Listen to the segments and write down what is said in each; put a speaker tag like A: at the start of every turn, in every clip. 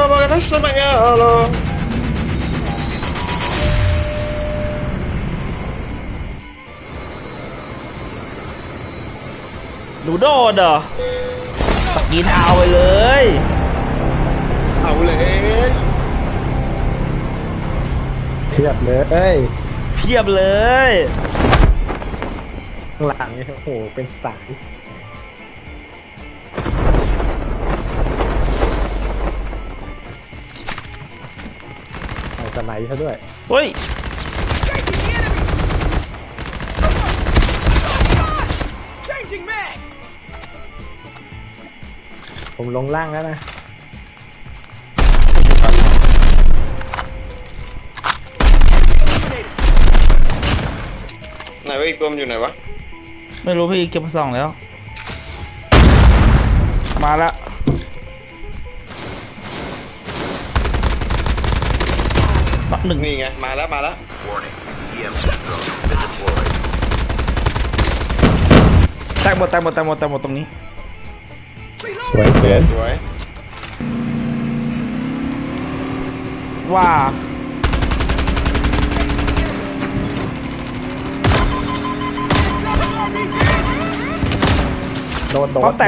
A: ragazzo spagnolo
B: หนูโดดเหรอกินเอาไปเลย
A: เอาเลย
C: เทียบเลย
B: เพียบเลย
C: ข้างหลังเนี่ยโอ้โหเป็นสายเอาสไนด์ซะด้วย
B: เฮ้ย
C: ผมลงล่างแล้วนะ
A: ไหนวะอีกตัวมันอยู่ไหนวะ
B: ไม่รู้พี่เก็บมาส่องแล้ว มาละนักหนึ่ง
A: นี่ไงมาแล้ว
B: แตกหมดตรงนี้
C: สวยเกิน
A: สวย
B: ว่า
C: โดน
B: ป้อมแตก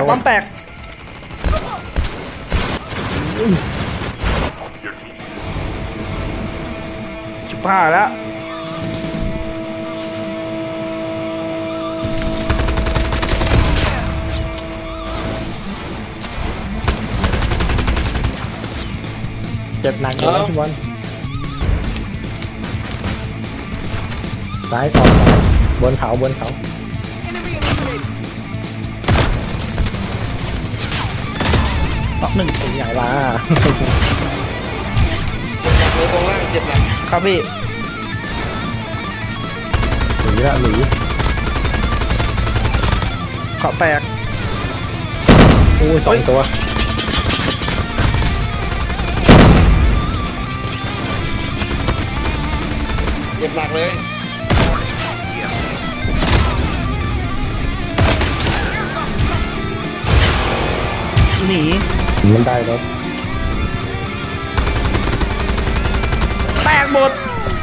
B: ชิบหายแล้ว
C: เจ็บหนักเลยนะทุกคนซ้ายขอซ้ายบนเขา
B: นักหนึ่ง
C: เป็นใหญ่ละ
A: เจ็บหนักเลยตรงล่างเจ็บหนัก
B: ครับพี่
C: หนี
B: เกาะแตก
C: อู้สองตัว
A: เจ็บหนักเลย
B: หนี
C: มันได้แล้ว
B: แตกหมด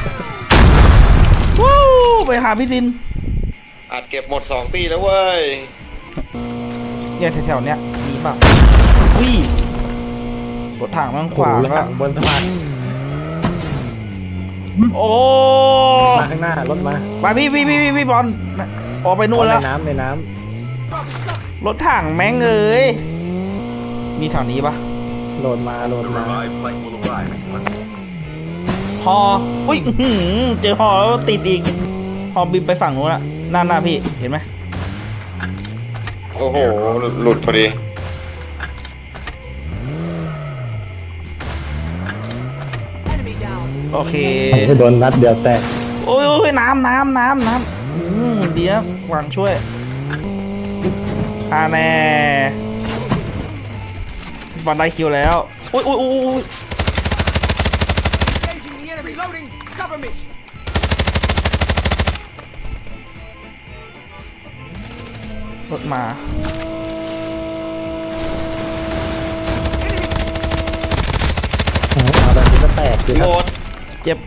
B: วู้ไปหาพี่ดิน
A: อาจเก็บหมด2 ตีแล้วเว้ย
B: เนี่ยแถวๆเนี้ยมีป่ะวิ่รถถังมันขวาง
C: แล้ว
B: ก็
C: บนสะพาน
B: โอ้
C: มาข้างหน้ารถมา
B: ไปพี่บอลออกไปนู่นแล้ว
C: ในน้
B: รถถังแม่งเอ้ยมีแถวนี้ปะ
C: ำโหลดมา
B: ฮออุ้ยอื้อหือเจอฮอแล้วติดอีกฮอบินไปฝั่งนู้นละหน้าพี่เห็นไหม
A: โอ้โหหลุดพอดี
B: โอเค
C: โดนนัดเดียวแตก
B: โอ้ยน้ำเดี๋ยววางช่วยแน่บอลได้คิวแล้วอุ้ยรถมา
C: เอาแบบนี้ก็แตกคือ
B: โหดเจ็บ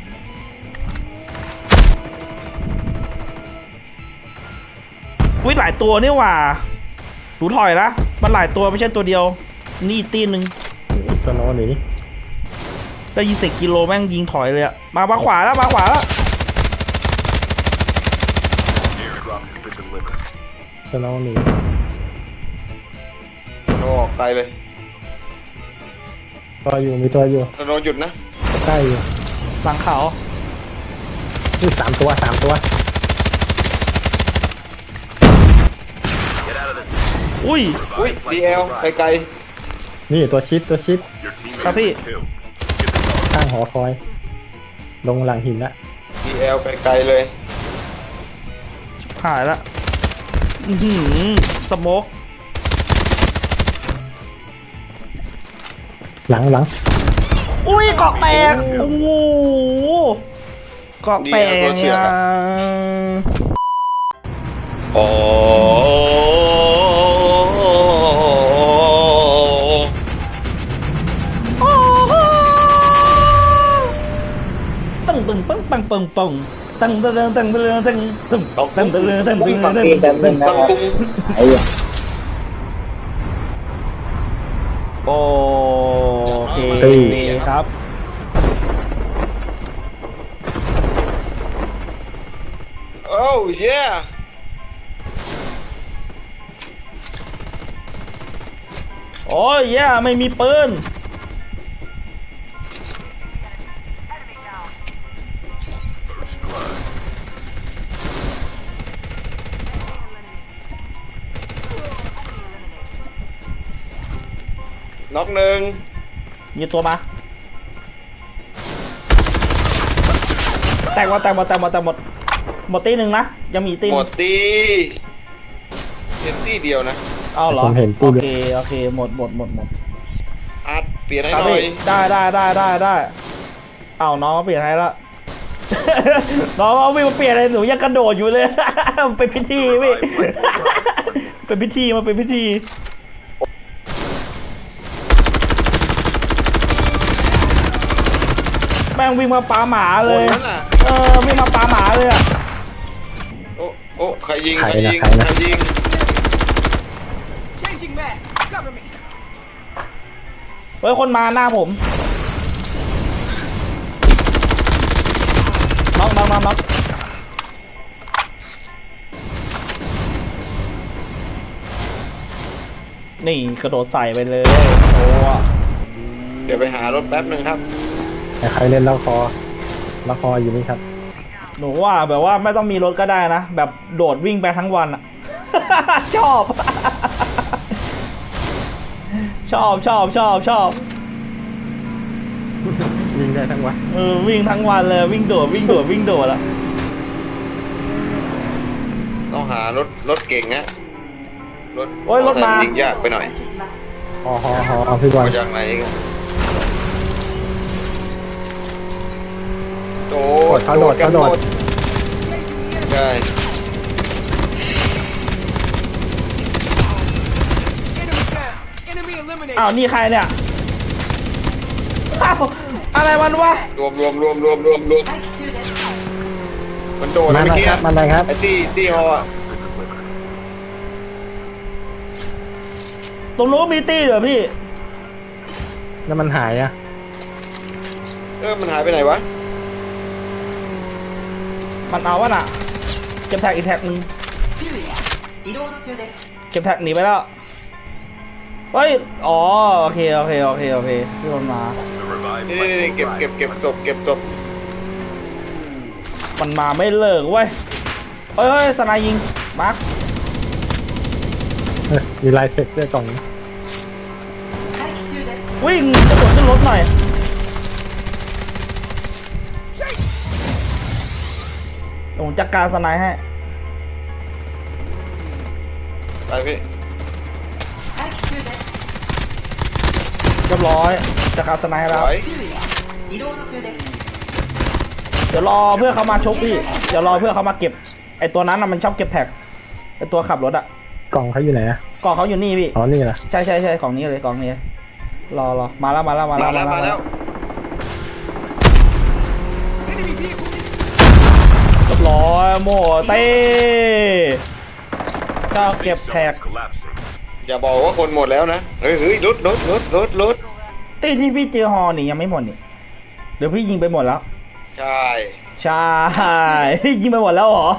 B: วิหลายตัวนี่หว่าดูถอยละมันหลายตัวไม่ใช่ตัวเดียวนี่ตีหนึ่ง
C: สโนว์หนี
B: ได้ยิง10 กิโลแม่งยิงถอยเลยอะมาขวาแล้ว
C: สโนว์หนี
A: โนออกไกลเลย
C: มีตัวอยู่
A: โนหยุดนะ
C: ใกล้อยู่
B: หลังเขา
C: นี่สามตัว
B: อุ้ย
A: DL ไกล
C: นี่ตัวชิด
B: ครับพี่
C: ข้างหอคอย ลงหลังหินละ
A: DL ไกลเลย
B: หายละสโมก
C: หลัง
B: อุ้ยเกาะแตกโอ้โหเกาะแตก
A: โอ้
B: ตั้งปึงปึงตั้งเดินตั้งเดินตั้งตึ้งตั้งเดินตั้งเดินตั้ง
A: ตั้งตุ้ง
C: ไอ้เหี้ย
B: โอเคครับ
A: โอ้เย่
B: โอ้ยแย่ไม่มีปืน
A: น็อกหนึ่ง
B: มีตัวมาแตกหมดหมดตีหนึ่งนะยังมีตี
A: หมดตีเห็นตีเดียวนะ
B: เอาเหรอ
C: ผมเห็น
B: โอ
C: ตู้
B: เคโอเคหมด
A: อาร์ตเปลี่ยนให้
B: ครับ
A: หน่อย
B: พี่ได้เอาน้องมาเปลี่ยนให้ละ น้องเอาวิ่งมาเปลี่ยนเลยหนูยังกระโดดอยู่เลย เป็นพิธีพี่ เป็นพิธีมาเป็นพิธีแม่งวิ่งมาปาหมาเลย
A: คนนั้นน่ะ
B: วิ่งมาปาหมาเลยอะ
A: โอ้ใครยิง
C: ใครนะ
A: ยิง
D: Changing mag. Cover me.
B: เฮ้ยคนมาหน้าผมน็อกนี่กระโดดใส่ไปเลยโอ้
A: เดี๋ยวไปหารถแป๊บหนึ่งครับ
C: แต่ใครเล่นแล้วคออยู่นี่ครับ
B: หนูว่าแบบว่าไม่ต้องมีรถก็ได้นะ แบบโดดวิ่งไปทั้งวันอะ ชอบ ชอบ
C: ยิงได้ทั้งวัน
B: วิ่งทั้งวันเลยวิ่งโดดอะ
A: ต้องหารถเก่งนะรถ
B: โอ้ยรถมา
A: ยิงยากไปหน่อย
C: ฮอพี่บอล
A: มาจากไหนกันโดด
C: เขาโดด
A: กันหมดใช่
D: Enemy down. Enemy eliminated.
B: อ้าวนี่ใครเนี่ยอ้าวอะไรมันวะ
A: รวมมันโดด
C: มา
A: เมื่อ
C: แล้ว
A: กี้
C: ครับมาเลยครับ
A: ไอ้ตี้ฮออะ
B: ตรงนู้นมีตี้เหรอพี่
C: แล้วมันหายอ่ะ
A: มันหายไปไหนวะ
B: มันเอาวะน่ะเก็บแท็กอีกแท็กนึงเก็บแท็กหนีไปแล้วเฮ้ยอ๋อโอเคพี่คนมา
A: นี่เก็บศพ
B: มันมาไม่เลิกเว้ยเฮ้ยสไนยิงมาร์ค
C: มีลายเซ็ตด้วยกล่องนี้
B: วิ่งกระโดดขึ้นรถหน่อยผมจัดการสไนให้
A: ไปพี่
B: เรียบร้อยจัดการสไนให้
A: ถ
B: แล้ว
A: อย
B: เดี๋ยวรอเพื่อนเขามาชกพี่เดี๋ยวรอเพื่อนเขามาเก็บไอตัวนั้นน่ะมันชอบเก็บแท็กไอตัวขับรถอะ
C: กล่องเขาอยู่ไหนอ่ะ
B: กล่องเขาอยู่นี่พี่
C: อ๋อนี่เหรอ
B: ใช่ของนี้เลยกล่องนี้รอมาแล้ว
A: มาแล้ว
D: Enemy vehicle.
B: เรียบร้อยโมเต้ก็เก็บแท็ก
A: อย่าบอกว่าคนหมดแล้วนะเฮ้ยรถ
B: ตีที่พี่เจอฮอนี่ยังไม่หมดนี่เดี๋ยวพี่ยิงไปหมดแล้ว
A: ใช่
B: ใช่ ยิงไปหมดแล้วเหรอ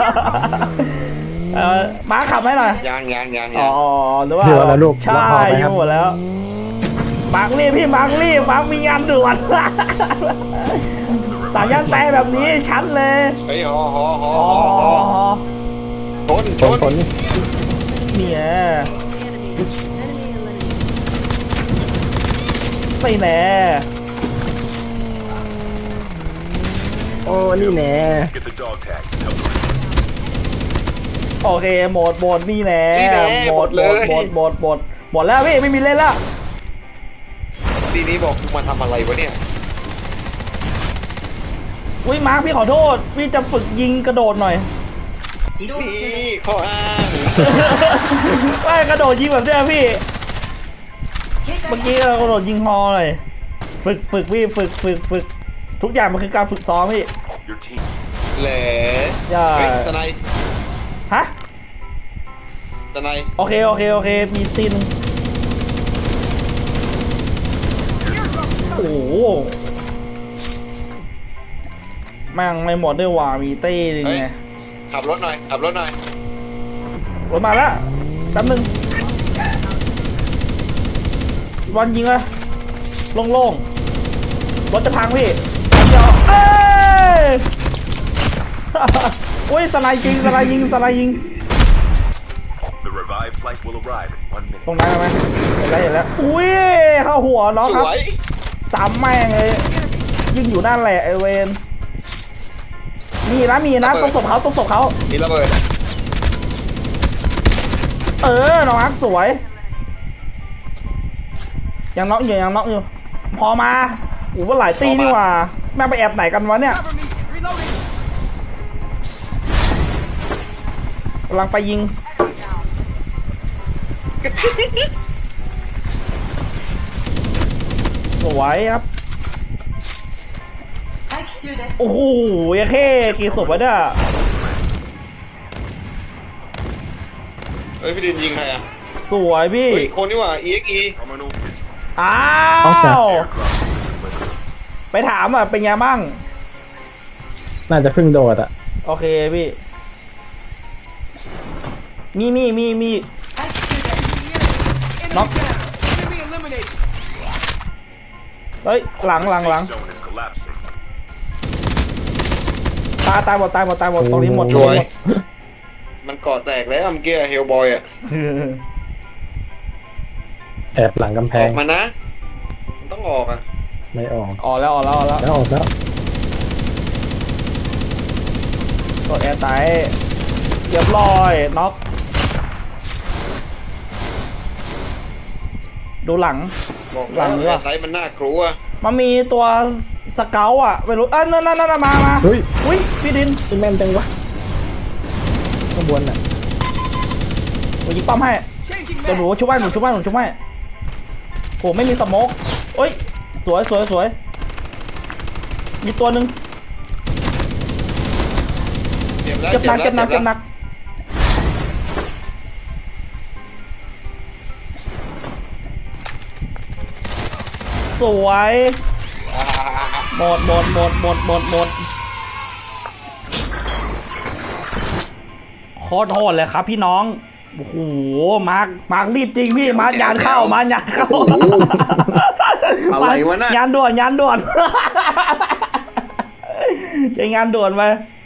B: ม้าขับให้หน่อย
A: ยัง
B: อ๋อหรือว่า
C: เดี๋ยวแล้วลูก
B: ใช่
C: แล้วพอไหม
B: ยิ
C: ครั
B: ง
C: บ
B: หมดแล้วมาร์กรีบพี่มาร์กรีบมาร์กมีงานด่วน สามย่านแตแบบนี้ชัดเลย
A: เฮ้ยฮอ
B: อ๋อ
A: ชน
B: เนี่ยไม่แน่
C: โอ้นี่แน่
B: โอเคหมดนี่แน่หมดแล้วพี่ไม่มีเล่นแล้ว
A: ทีนี้บอกกูมาทำอะไรวะเนี่ย
B: อุ้ยมาร์คพี่ขอโทษพี่จะฝึกยิงกระโดดหน่อย
A: นี่ข้ออ้าง
B: ไม่กระโดดยิงแบบเนี้ยพี่เมื่อกี้เรากระโดดยิงฮอเลยฝึกพี่ฝึกทุกอย่างมันคือการฝึกซ้อมพี่
E: Your team.
A: แหล่
B: อย่า
A: เฮ้ยสไนด์
B: ฮะ
A: สไนด์
B: โอเคโอเคโอเคมีซีน
D: Airdrop
B: โอ้
D: coming.
B: โหแม่งไม่หมดด้วยว่ะมีเต้นึง
A: เฮ้ย
B: ไง
A: ขับรถหน่อยขับรถหน่อย
B: รถมาแล้วแป๊บนึงวันยิงเลยโล่งๆรถจะพังพี่เดี๋ยวเอ้ย อุ้ยสไลด์ยิงสไลด์ยิงสไลด์ยิง
E: The revived flight will arrive in 1 minute.
B: ตรงนั้นไหมเห็นแล้วเห็นแล้วอุ้ยเข้าหัวน้อง
A: ส
B: ครับ
A: วย
B: สามแม่งเลยยิงอยู่นั่นแหละไอเวนมีนะต้องศพเขาต้องศพเขา
A: มีระเบิด
B: น้องอักสวยยังน็อกอยู่พอมาโอ้โหหลายตีนี่หว่าแม่งไปแอบไหนกันวะเนี่ย
D: Cover me. Reloading.
B: กำลังไปยิงสวยครับโอ้โหยังแค่กี่ศพวะเนี่ย
A: เฮ้ยพี่ดินยิงใครอ่ะ
B: สวยพี่
A: เฮ้ยคนนี่หว่า EXE
E: Terminal is
B: อ้าว ไปถามอ่ะเป็นไงบ้าง
C: น่าจะเพิ่งโดดอ่ะ
B: โอเคพี่มี
D: Enemy
B: Knock.
D: down. Enemy eliminated.
B: เฮ้ยหลัง
E: zone is collapsing.
B: ตายหมดตรงนี้หมด
A: สวย มันเกาะแตกแล้วเมื่อกี้เฮลบอยอ่ะ
C: แอบหลังกำแพ
A: อง อกมานะมันต้องออกอ่ะ
C: ไม่ออก
B: ออกแล้ว
C: แล้วออกแล้ว
B: กดแอร์ไตเรียบร้อยน็อกดูหลัง
A: บอก
B: หลั
A: แล้ว
B: งนี้ว่ะ
A: ไซส์มันน่ากลัว
B: มันมีตัวสเกลอ่ะไม่รู้นั่นมา
C: เฮ้ย
B: อุ้ยพี่ดิน
C: ที่แม่นจังวะข้างบนอ่ะ
B: ผมยิงป้อมให้
D: Changing
B: เดี๋ยวหนู
D: mag.
B: ชุบให้ผมไม่มีสโมกเอ้ยสวยมีตัวหนึ่ง
A: เจ็บแล้ว
B: เก็บหนัก
A: เจ็บแล้ว
B: สวย
A: อ่า
B: หมดโคตรโหดเลยครับพี่น้องโอ้โหมาร์ครีบจริงพี่มาร์คยานเข้า
A: อะไรวะน่ะ
B: ยานด่วน ใช้งานด่วนไป